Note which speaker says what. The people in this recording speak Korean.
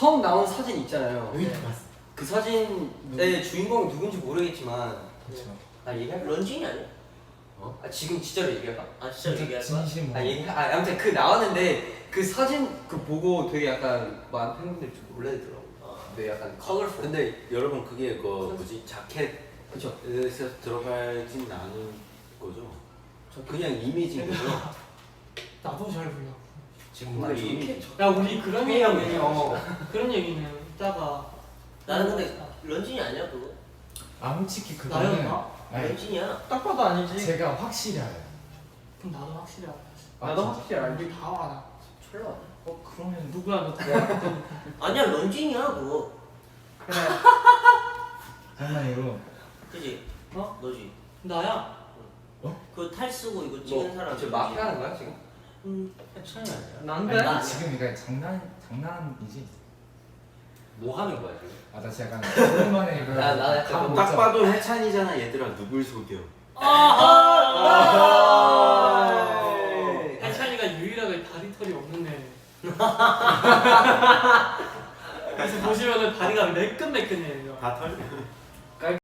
Speaker 1: 처음 나온 사진 있잖아요.
Speaker 2: 여기 봤어.
Speaker 1: 그 사진의 주인공이 누군지 모르겠지만
Speaker 2: 그렇죠.
Speaker 1: 나 얘기할
Speaker 3: 런쥔이 아니야?
Speaker 1: 아 지금 진짜로 얘기할까?
Speaker 3: 아 진짜 얘기할 거야?
Speaker 2: 진심.
Speaker 1: 아무튼 그 나왔는데 그 사진 그 보고 되게 약간 많은 팬분들이 좀 놀라더라고. 근데 약간 컬러풀.
Speaker 4: 근데 여러분 그게 그 뭐지 자켓에서
Speaker 1: 그쵸.
Speaker 4: 들어가진 않은 거죠? 그냥 이미지인 거죠?
Speaker 5: 나도 잘 몰라.
Speaker 4: 지금
Speaker 1: 뭔가
Speaker 4: 우리
Speaker 1: 이렇게
Speaker 5: 야 우리 그런
Speaker 1: 투명해.
Speaker 5: 얘기는 그런 얘기는 이따가.
Speaker 3: 나는 근데 런쥔이 아니야 그거?
Speaker 2: 아 솔직히 그거는
Speaker 5: 나였나?
Speaker 2: 아니,
Speaker 3: 런쥔이야.
Speaker 1: 딱 봐도 아니지.
Speaker 2: 제가 확실히 알아요.
Speaker 5: 그럼 나도 확실히 알아.
Speaker 1: 나도
Speaker 2: 진짜?
Speaker 1: 확실히 알지.
Speaker 5: 우리 다 알아.
Speaker 1: 철러.
Speaker 2: 그러면
Speaker 5: 누구야 너 누구야?
Speaker 3: 아니야 런쥔이야 그거.
Speaker 5: 그래.
Speaker 2: 장난이고.
Speaker 3: 그지?
Speaker 5: 어?
Speaker 3: 너지?
Speaker 5: 나야.
Speaker 3: 그 탈 쓰고 이거 찍은 사람.
Speaker 1: 저 마피아 하는 거야 지금?
Speaker 4: 해찬이 아니야?
Speaker 1: 난데?
Speaker 2: 아니, 나 지금 이거 장난이지.
Speaker 4: 뭐 하는 거야 지금?
Speaker 2: 아 나 진짜 약간 오랜만에 이거
Speaker 1: 나 약간
Speaker 4: 딱 봐도 해찬이잖아 얘들아. 누굴 속여?
Speaker 5: 해찬이가 유일하게 다리 털이 없는 애. 그래서 보시면은 다리가 매끈매끈해요.
Speaker 4: 다 털려.